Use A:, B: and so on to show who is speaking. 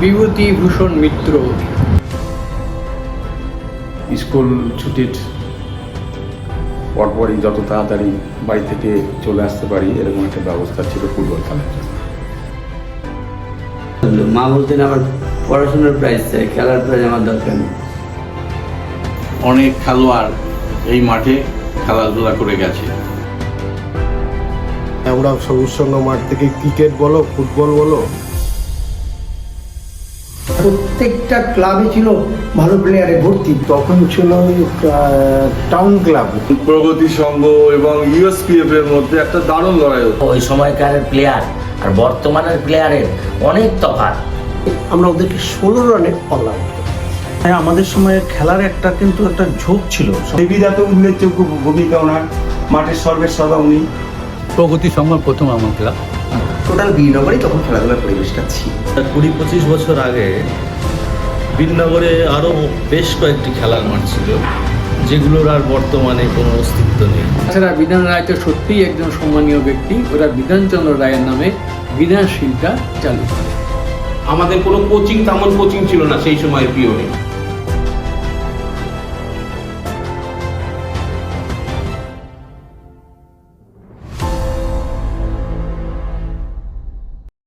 A: বিভূতিভূষণ মিত্র।
B: School ছুটির পরপরই যত তাড়াতাড়ি বাড়ি থেকে চলে আসতে পারি এরকম একটা ব্যবস্থা ছিল ফুটবল খেলার জন্য।
C: মা বলতেন আমার পড়াশোনার প্রাইজ চাই, খেলার প্রাইজ আমার দরকার নেই।
D: অনেক খেলোয়াড় এই মাঠে খেলাধুলা করে গেছে।
E: আমরা সবুজ সংঘ মাঠ থেকে ক্রিকেট বলো ফুটবল বলো
F: প্রত্যেকটা ক্লাবে ছিল ভালো প্লেয়ারে ভর্তি।
E: তখন ছিল টাউন ক্লাব,
G: প্রগতি সংঘ এবং ইউএসপিএফ এর মধ্যে একটা দারুণ লড়াই হতো।
H: ওই সময়কার প্লেয়ার আর বর্তমানের প্লেয়ারের অনেক তফাৎ।
F: আমরা ওদেরকে 16 রানে অল আউট।
I: হ্যাঁ, আমাদের সময়ে খেলার কিন্তু একটা ঝোঁক ছিল।
J: দেবীদাত উল্লেখযোগ্য ভূমিকা ওনার, মাঠের সর্বেসর্বা উনি।
A: প্রগতি সংঘ প্রথম আমার ক্লাব।
C: টোটাল বীরনগরেই তখন খেলাধুলার পরিবেশটা ছিল।
K: 20-25 বছর আগে বীরনগরে আরও বেশ কয়েকটি খেলার মাঠ ছিল, যেগুলোর আর বর্তমানে কোনো অস্তিত্ব নেই।
A: তাছাড়া বিধান রায় তো সত্যিই একজন সম্মানীয় ব্যক্তি। ওরা বিধানচন্দ্র রায়ের নামে বিধানশীলটা চালু করে।
D: আমাদের কোনো কোচিং তেমন কোচিং ছিল না সেই সময় পিওনে।